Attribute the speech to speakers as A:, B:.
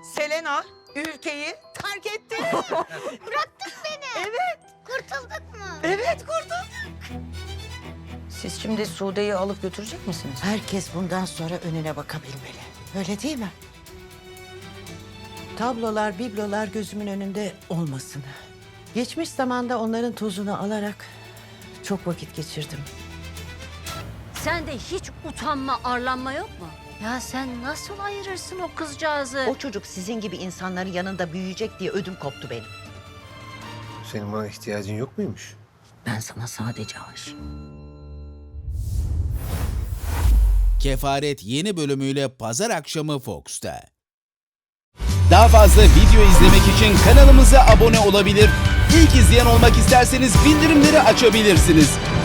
A: Selena ülkeyi terk etti.
B: Bıraktın beni.
A: Evet.
B: Kurtulduk mu?
A: Evet kurtulduk.
C: Siz şimdi Sude'yi alıp götürecek misiniz?
D: Herkes bundan sonra önüne bakabilmeli. Öyle değil mi? Tablolar, biblolar gözümün önünde olmasın. Geçmiş zamanda onların tozunu alarak çok vakit geçirdim.
E: Sende hiç utanma, arlanma yok mu? Ya sen nasıl ayırırsın o kızcağızı?
C: O çocuk sizin gibi insanların yanında büyüyecek diye ödüm koptu benim.
F: Senin bana ihtiyacın yok muymuş?
C: Ben sana sadece aşığım.
G: Kefaret yeni bölümüyle pazar akşamı Fox'ta. Daha fazla video izlemek için kanalımıza abone olabilir. İlk izleyen olmak isterseniz bildirimleri açabilirsiniz.